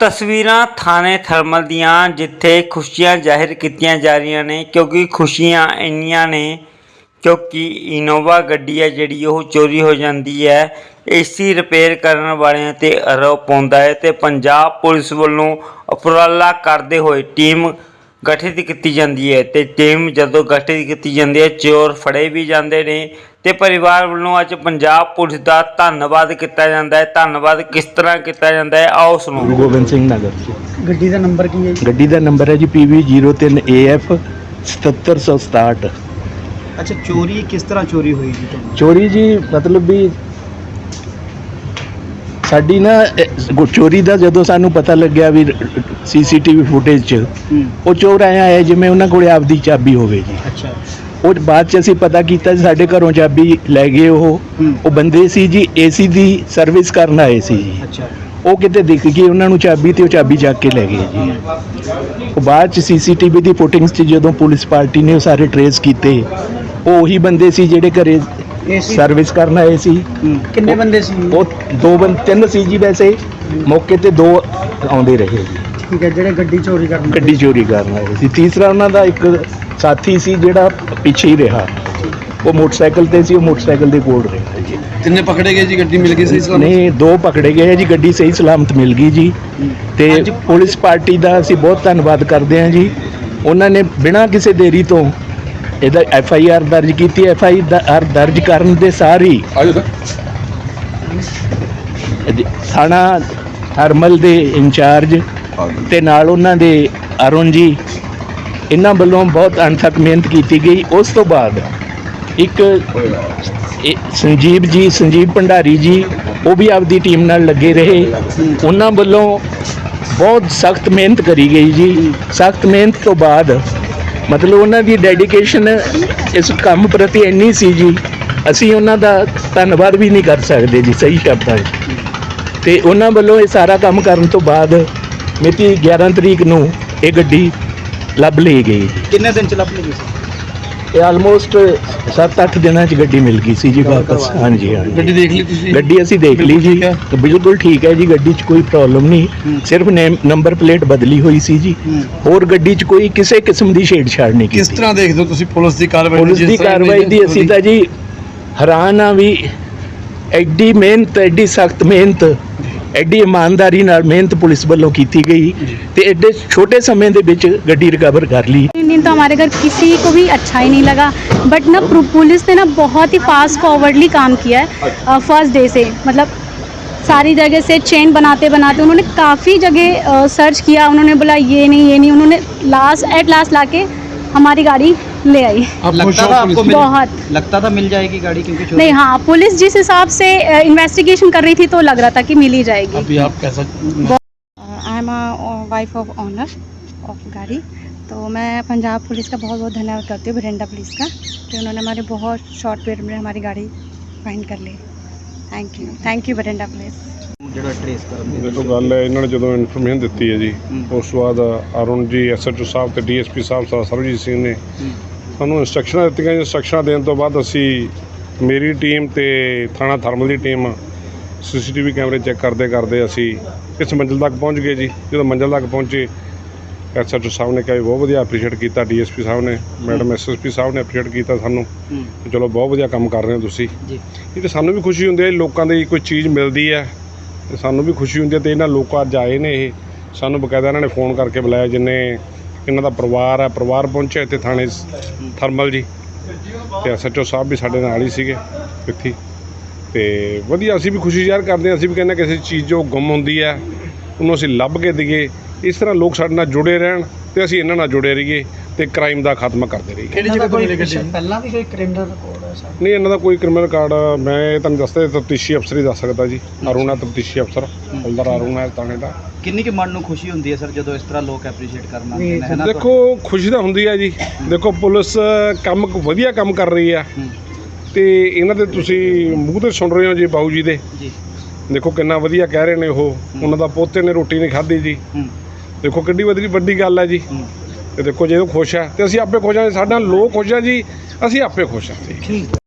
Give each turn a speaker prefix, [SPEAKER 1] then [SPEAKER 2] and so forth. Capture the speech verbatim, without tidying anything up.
[SPEAKER 1] ਤਸਵੀਰਾਂ ਥਾਣੇ ਥਰਮਲ ਦੀਆਂ ਜਿੱਥੇ ਖੁਸ਼ੀਆਂ ਜ਼ਾਹਿਰ ਕੀਤੀਆਂ ਜਾ ਰਹੀਆਂ ਨੇ ਕਿਉਂਕਿ ਖੁਸ਼ੀਆਂ ਇੰਨੀਆਂ ਨੇ ਕਿਉਂਕਿ ਇਨੋਵਾ ਗੱਡੀ ਹੈ ਜਿਹੜੀ ਉਹ ਚੋਰੀ ਹੋ ਜਾਂਦੀ ਹੈ। ਏਸੀ ਰਿਪੇਅਰ ਕਰਨ ਵਾਲਿਆਂ ਤੇ ਆਰੋਪ ਪਾਉਂਦਾ ਹੈ ਤੇ ਪੰਜਾਬ ਪੁਲਿਸ ਵੱਲੋਂ ਉਪਰਾਲਾ ਕਰਦੇ ਹੋਏ ਟੀਮ ਗਠਿਤ ਕੀਤੀ ਜਾਂਦੀ ਹੈ ਤੇ ਟੀਮ ਜਦੋਂ ਗਠਿਤ ਕੀਤੀ ਜਾਂਦੀ ਹੈ ਚੋਰ ਫੜੇ ਵੀ ਜਾਂਦੇ ਨੇ ਤੇ परिवार वालों अज पंजाब पुलिस का धन्यवाद किया जाता है। धन्यवाद किस तरह किया जाता है आओ सुनो।
[SPEAKER 2] गोबिंद सिंह नगर
[SPEAKER 3] गड्डी का नंबर की है?
[SPEAKER 2] गड्डी का नंबर है जी पी वी जीरो तीन ए एफ सतहत्तर सौ सताहठ।
[SPEAKER 3] अच्छा, चोरी किस तरह चोरी हुई जी? तो
[SPEAKER 2] चोरी जी मतलब भी साडी ना चोरी का जो सानू पता लग गया भी C C T V footage च वो चोर आया है जिमें उन्होंने को आपदी चाबी होवे जी।
[SPEAKER 3] अच्छा,
[SPEAKER 2] और बाद च असीं पता किया साढ़े घरों चाबी लै गए वो वो बंदे सी जी ए सी की सर्विस करन आए सी जी।
[SPEAKER 3] अच्छा,
[SPEAKER 2] वो किते दिख गई उन्होंने चाबी तो चाबी चक के लै गए जी। वो बाद च सी सी टी वी की फुटिंग्स च जो पुलिस पार्टी ने सारे ट्रेस किए वो उही बंदे सी जिहड़े घरे सर्विस करन आए सी।
[SPEAKER 3] किन्ने बंदे सी?
[SPEAKER 2] वो दो बंद तीन सी जी वैसे मौके ते दो आउंदे रहे जी।
[SPEAKER 3] ठीक है, जिहड़े गड्डी चोरी करन
[SPEAKER 2] गड्डी चोरी करन आए सी। तीसरा उन्हां दा एक साथी सी जिहड़ा पिछे ही रहा वो मोटरसाइकिल ते सी वो मोटरसाइकिल दे कोल रहा जी।
[SPEAKER 4] किन्ने पकड़े गए जी? गड्डी मिल गई सही सलामत?
[SPEAKER 2] नहीं, दो पकड़े गए जी, गड्डी सही सलामत मिल गई जी। ते पुलिस पार्टी का असीं बहुत धन्नवाद करते हैं जी। उन्होंने बिना किसी देरी तो ਇਹਦਾ ਐਫ ਆਈ ਆਰ ਦਰਜ ਕੀਤੀ। ਐਫ ਆਈ ਆਰ ਦਰਜ ਕਰਨ ਦੇ ਸਾਰ ਹੀ ਥਾਣਾ ਥਰਮਲ ਦੇ ਇੰਚਾਰਜ ਤੇ ਨਾਲ ਉਹਨਾਂ ਦੇ ਅਰੁਣ ਜੀ ਇਹਨਾਂ ਵੱਲੋਂ ਬਹੁਤ ਅਣਥੱਕ ਮਿਹਨਤ ਕੀਤੀ ਗਈ। ਉਸ ਤੋਂ ਬਾਅਦ ਇੱਕ ਸੰਜੀਵ ਜੀ ਸੰਜੀਵ ਭੰਡਾਰੀ ਜੀ ਉਹ ਵੀ ਆਪਦੀ ਟੀਮ ਨਾਲ ਲੱਗੇ ਰਹੇ। ਉਹਨਾਂ ਵੱਲੋਂ ਬਹੁਤ ਸਖਤ ਮਿਹਨਤ ਕਰੀ ਗਈ ਜੀ। ਸਖਤ ਮਿਹਨਤ ਤੋਂ ਬਾਅਦ मतलब उन्होंने डेडिकेशन इस काम प्रति इन्नी सी जी असी उन्होंने धन्यवाद भी नहीं कर सकते जी सही शब्दों तो उन्होंने वालों ये सारा काम करने तो बाद मिति ग्यारह तरीक नूं ये गड्डी लभ ली गई।
[SPEAKER 3] किन्ने दिन च लभ ली गई?
[SPEAKER 2] ये आलमोस्ट सत्त अठ दिन च गड्डी मिल गई सी जी वापस। हाँ जी, हाँ
[SPEAKER 4] गड्डी देख ली तुसीं?
[SPEAKER 2] गड्डी असी देख ली जी, तो बिल्कुल ठीक है जी। गड्डी च कोई प्रॉब्लम नहीं, सिर्फ नेम नंबर प्लेट बदली हुई सी जी। और गड्डी च कोई किसी किस्म की छेड़छाड़ नहीं की।
[SPEAKER 4] किस तरह देखते हो तुसीं पुलिस की कार्रवाई?
[SPEAKER 2] पुलिस की कार्रवाई दी असी तां जी हैरान हाँ भी एड्डी मेहनत एड्डी सख्त मेहनत एड्डी ईमानदारी नाल मेहनत पुलिस वालों की गई तो एड्डे छोटे समय दे विच गड्डी रिकवर कर ली।
[SPEAKER 5] तो हमारे घर किसी को भी अच्छा ही नहीं लगा, बट ना पुलिस ने ना बहुत ही फास्ट फॉरवर्डली काम किया है फर्स्ट डे से। मतलब सारी जगह से चेन बनाते बनाते उन्होंने काफ़ी जगह सर्च किया। उन्होंने बोला ये नहीं ये नहीं, उन्होंने लास्ट एट लास्ट लाके हमारी गाड़ी ले आई।
[SPEAKER 3] लगता था आपको मिल,
[SPEAKER 5] बहुत
[SPEAKER 3] लगता था मिल जाएगी गाड़ी क्योंकि चोरी?
[SPEAKER 5] नहीं, हाँ पुलिस जिस हिसाब से इन्वेस्टिगेशन कर रही थी तो लग रहा था कि मिल ही जाएगी।
[SPEAKER 4] अभी आप कैसा?
[SPEAKER 5] I am wife of owner of गाड़ी, तो मैं पंजाब पुलिस का बहुत बहुत धन्यवाद करती हूँ, बठिंडा पुलिस का, कि उन्होंने हमारे बहुत शॉर्ट पीरियड में हमारी गाड़ी फाइंड कर ली। Thank you thank you Bathinda police.
[SPEAKER 3] ਜਿਹੜਾ ਟ੍ਰੇਸ ਕਰਨ ਦੇ
[SPEAKER 6] देखो गल है इन्होंने जो इन्फॉर्मेशन दी है जी उस तो बाद Arun ji S H O साहब तो डी एस पी साहब सरबजीत सिंह ने सानू इंस्ट्रक्शन दी। इंस्ट्रक्शन देने तो बाद असी मेरी टीम तो थाना थर्मल की team C C T V कैमरे चैक करते करते असी इस मंजिल तक पहुँच गए जी। जो मंजिल तक पहुँचे एस एच ओ साहब ने कहा बहुत वधिया अप्रीशिएट किया। डी एस पी साहब ने मैडम एस एस पी साहब ने अप्रीशिएट किया सानू, चलो बहुत वधिया काम कर रहे हो तुसीं। ये तो सानू भी खुशी होंदी है लोगों की कोई चीज़ मिलती है तो सानू भी खुशी होंदी है। तो इन्होंने लोग अज आए ने ये सानू बकायदा इन्होंने फोन करके बुलाया जिन्हें इन्हों का परिवार है परिवार पहुँचे इतने थाने थर्मल जी तो एस एच ओ साहब भी साढ़े नाल ही सीगे इत्थे। तो वधिया असीं भी खुशी ज़ाहिर करते हैं। असीं भी कहने किसी चीज़ जो गुम होंदी है उन्होंने असीं लभ के दईए। इस तरह लोग साडे नाल जुड़े रहन तो असीं इन्हां नाल जुड़े रहीए तो क्राइम का खात्मा करते रहीए।
[SPEAKER 3] किहड़ी जगह कोई पहला भी कोई क्रिमिनल रिकॉर्ड है सर?
[SPEAKER 6] नहीं, इन्हों का कोई क्रिमिनल रिकॉर्ड मैं तुहानूं दसदा तफ्तीशी अफसर ही दस सकता जी। अरुण है तफ्तीशी अफसर हवलदार अरुण है थाने का।
[SPEAKER 3] किन्नी के मन नूं खुशी होंदी है सर जो इस तरह लोग एप्रीशिएट करना है ना?
[SPEAKER 6] देखो खुशी तो होंदी है जी। देखो पुलिस काम वधिया काम कर रही है तो इन्हां दे तुसीं मूँह ते सुन रहे हो जी बाऊ जी दे। देखो कितना वधिया कह रहे हैं वो उन्हों का पोते ने रोटी नहीं खाधी जी। देखो कितनी वधी वड्डी गल है जी। तो देखो जो खुश है तो असीं आपे खुश हाँ, साडे नाल लोग खुश है जी, असीं आपे खुश हाँ जी।